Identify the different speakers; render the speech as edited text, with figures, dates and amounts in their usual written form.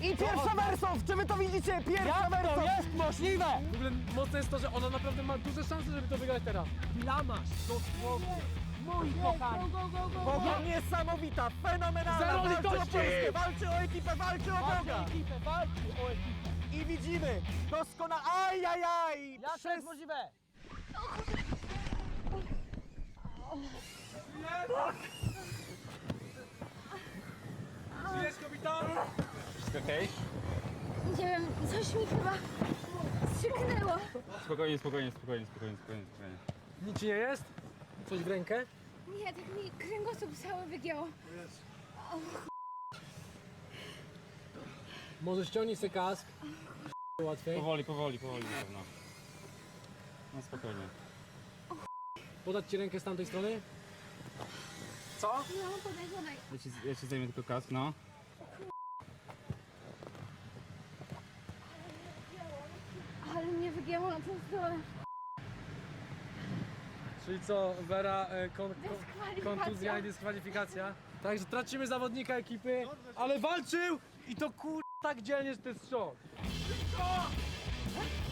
Speaker 1: I pierwsza Wersow! Czy wy to widzicie? Pierwsza Wersow!
Speaker 2: To jest możliwe!
Speaker 3: W ogóle mocne jest to, że ona naprawdę ma duże szanse, żeby to wygrać teraz.
Speaker 2: Blamasz, dosłownie. Mój kochany.
Speaker 1: Boga niesamowita, fenomenalna!
Speaker 3: Zero
Speaker 1: Walczy o
Speaker 3: litości!
Speaker 1: Polskę, walczy o ekipę, walczy o Boga!
Speaker 2: Walczy o ekipę.
Speaker 1: I widzimy, doskonale, ajajaj!
Speaker 2: Jak to jest możliwe?
Speaker 3: Żyjesz, kapitan?
Speaker 4: Wszystko okej?
Speaker 5: Nie wiem, coś mi chyba strzyknęło.
Speaker 4: Spokojnie.
Speaker 3: Nic ci nie jest? Coś w rękę?
Speaker 5: Nie, tak mi kręgosłup cały wygięło.
Speaker 3: Może ściągnij sobie kask. Łatwiej.
Speaker 4: Powoli na pewno. No spokojnie.
Speaker 3: Podać ci rękę z tamtej strony? Co?
Speaker 5: No, podaj.
Speaker 4: Ja ci zajmę tylko kask, no.
Speaker 5: Ale mnie wygięło na tą stronę.
Speaker 3: Czyli co, Wera,
Speaker 5: Dyskwalifikacja.
Speaker 3: kontuzja i dyskwalifikacja. Także tracimy zawodnika ekipy, ale walczył i to tak dzielnie, że to jest szok.